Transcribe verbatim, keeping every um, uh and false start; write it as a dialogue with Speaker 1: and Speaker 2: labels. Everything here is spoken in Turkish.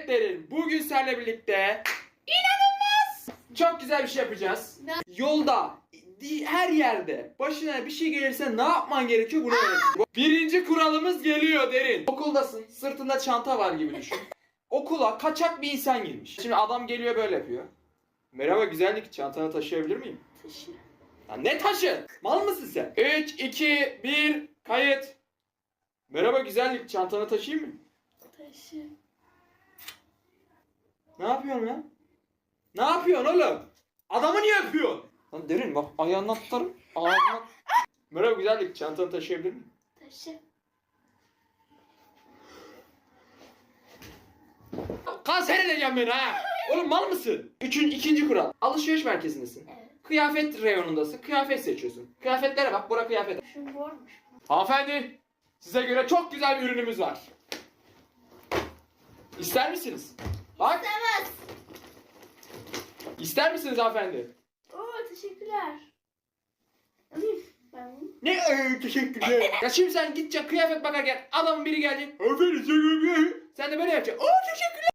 Speaker 1: Evet Derin, bugün seninle birlikte inanılmaz çok güzel bir şey yapacağız.
Speaker 2: Ne?
Speaker 1: Yolda, di- her yerde başına bir şey gelirse ne yapman gerekiyor bunu öğreteceğim. Birinci kuralımız geliyor Derin. Okuldasın, sırtında çanta var gibi düşün. Okula kaçak bir insan girmiş. Şimdi adam geliyor böyle yapıyor. Merhaba güzellik, çantanı taşıyabilir miyim?
Speaker 2: Taşı.
Speaker 1: Ya ne taşı? Mal mısın sen? üç, iki, bir, kayıt. Merhaba güzellik, çantanı taşıyayım mı?
Speaker 2: Taşı.
Speaker 1: Ne yapıyorsun lan? Ne yapıyorsun oğlum? Adamı niye öpüyorsun? Lan Derin bak ayağından tutarım. Ağzına... Merhaba güzellik, çantanı taşıyabilir miyim?
Speaker 2: Taşı.
Speaker 1: Kanser edeceğim beni ha! Oğlum mal mısın? Üçüncü, ikinci kural. Alışveriş merkezindesin.
Speaker 2: Evet.
Speaker 1: Kıyafet reyonundasın. Kıyafet seçiyorsun. Kıyafetlere bak, bura kıyafet.
Speaker 2: Şu mormuş.
Speaker 1: Hanımefendi, size göre çok güzel bir ürünümüz var. İster misiniz? Bak,
Speaker 2: İstemez.
Speaker 1: ister misiniz hanımefendi?
Speaker 2: Oo teşekkürler. Alayım ben bunu.
Speaker 1: Ne ee, teşekkürler. Ya şimdi sen gideceksin kıyafet bakarken adamın biri gelecek. Hanımefendi sen Sen de böyle yapacaksın. Oo teşekkürler.